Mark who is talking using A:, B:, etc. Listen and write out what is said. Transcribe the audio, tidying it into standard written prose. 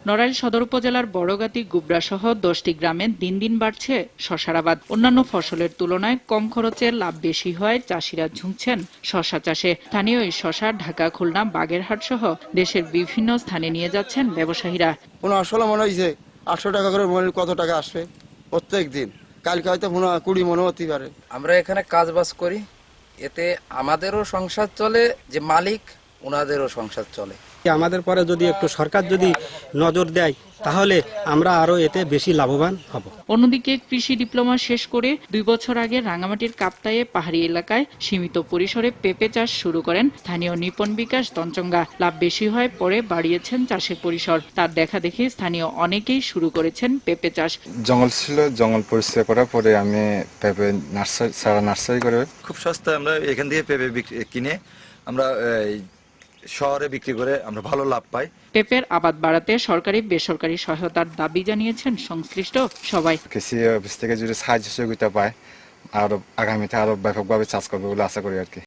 A: নড়াইল সদর উপজেলার বড়গাতি গুবরা সহ 10টি গ্রামে দিন দিন বাড়ছে শশার আবাদ। অন্যান্য ফসলের তুলনায় কম খরচে লাভ বেশি হয় চাষিরা ঝুঁকছেন শশা চাষে। স্থানীয় এই শশা ঢাকা, খুলনা, বাগেরহাট সহ দেশের বিভিন্ন স্থানে নিয়ে যাচ্ছেন ব্যবসায়ীরা।
B: 15-16 মন হয়েছে, 800 টাকা করে মনে কত টাকা আসবে প্রত্যেক দিন। কালকে হয়তো 20 মনও হতে পারে।
C: আমরা এখানে কাজবাজ করি, এতে আমাদেরও সংসার চলে, যে মালিক ওনাদেরও সংসার চলে।
D: আমাদের পরে যদি একটু সরকার যদি নজর দেয় তাহলে আমরা আরো এতে বেশি লাভবান হব।
A: অন্যদিকে কৃষি ডিপ্লোমা শেষ করে 2 বছর আগে রাঙামাটির কাপ্তায়ে পাহাড়ি এলাকায় সীমিত পরিসরে পেঁপে চাষ শুরু করেন স্থানীয় নিপন বিকাশ তঞ্চঙ্গা। লাভ বেশি হয় পরে বাড়িয়েছেন চাষের পরিসর। তার দেখা দেখে স্থানীয় অনেকেই শুরু করেছেন পেঁপে চাষ।
E: জঙ্গল ছিল, জঙ্গল পরিষ্কার করার পরে আমি পেঁপে নার্সারি করে
F: খুব সস্তায় আমরা এখান থেকে পেঁপে কিনে আমরা শহরে বিক্রি করে আমরা ভালো লাভ পাই।
A: পেঁপের আবাদ বাড়াতে সরকারি বেসরকারি সহায়তার দাবি জানিয়েছেন সংশ্লিষ্ট সবাই।
E: কৃষি অফিস থেকে যদি সাহায্য সহযোগিতা পায় আরো আগামীতে আরো ব্যাপকভাবে চাষ করবে বলে আশা করি আর কি।